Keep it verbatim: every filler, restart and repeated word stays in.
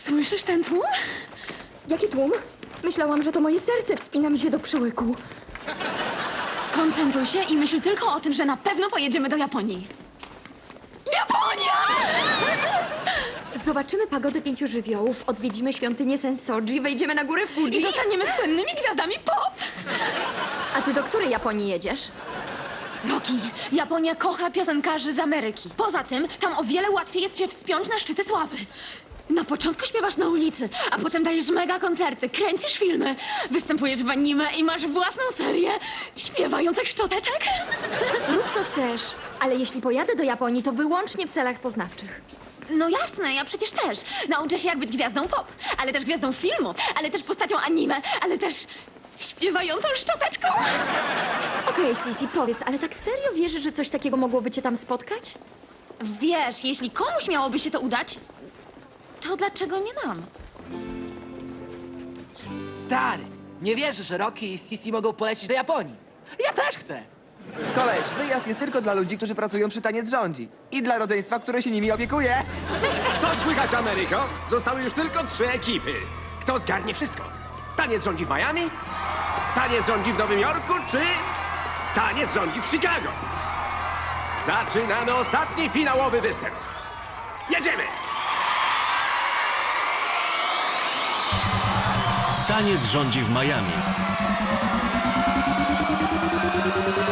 Słyszysz ten tłum? Jaki tłum? Myślałam, że to moje serce wspina mi się do przełyku. Skoncentruj się i myśl tylko o tym, że na pewno pojedziemy do Japonii. Japonia! Zobaczymy pagodę pięciu żywiołów, odwiedzimy świątynię Sensoji, wejdziemy na górę Fuji. I zostaniemy słynnymi gwiazdami pop! A ty do której Japonii jedziesz? Roki, Japonia kocha piosenkarzy z Ameryki. Poza tym, tam o wiele łatwiej jest się wspiąć na szczyty sławy. Na początku śpiewasz na ulicy, a potem dajesz mega koncerty, kręcisz filmy, występujesz w anime i masz własną serię śpiewających szczoteczek. Rób co chcesz, ale jeśli pojadę do Japonii, to wyłącznie w celach poznawczych. No jasne, ja przecież też. Nauczę się jak być gwiazdą pop, ale też gwiazdą filmu, ale też postacią anime, ale też śpiewającą szczoteczką. Okej, Sisi, powiedz, ale tak serio wierzysz, że coś takiego mogłoby cię tam spotkać? Wiesz, jeśli komuś miałoby się to udać, to dlaczego nie nam? Stary, nie wierzę, że Rocky i Sisi mogą polecieć do Japonii. Ja też chcę. Koleś, wyjazd jest tylko dla ludzi, którzy pracują przy Taniec Rządzi. I dla rodzeństwa, które się nimi opiekuje. Co słychać, Ameryko? Zostały już tylko trzy ekipy. Kto zgarnie wszystko? Taniec rządzi w Miami? Taniec rządzi w Nowym Jorku? Czy taniec rządzi w Chicago? Zaczynamy ostatni finałowy występ. Jedziemy! Taniec rządzi w Miami.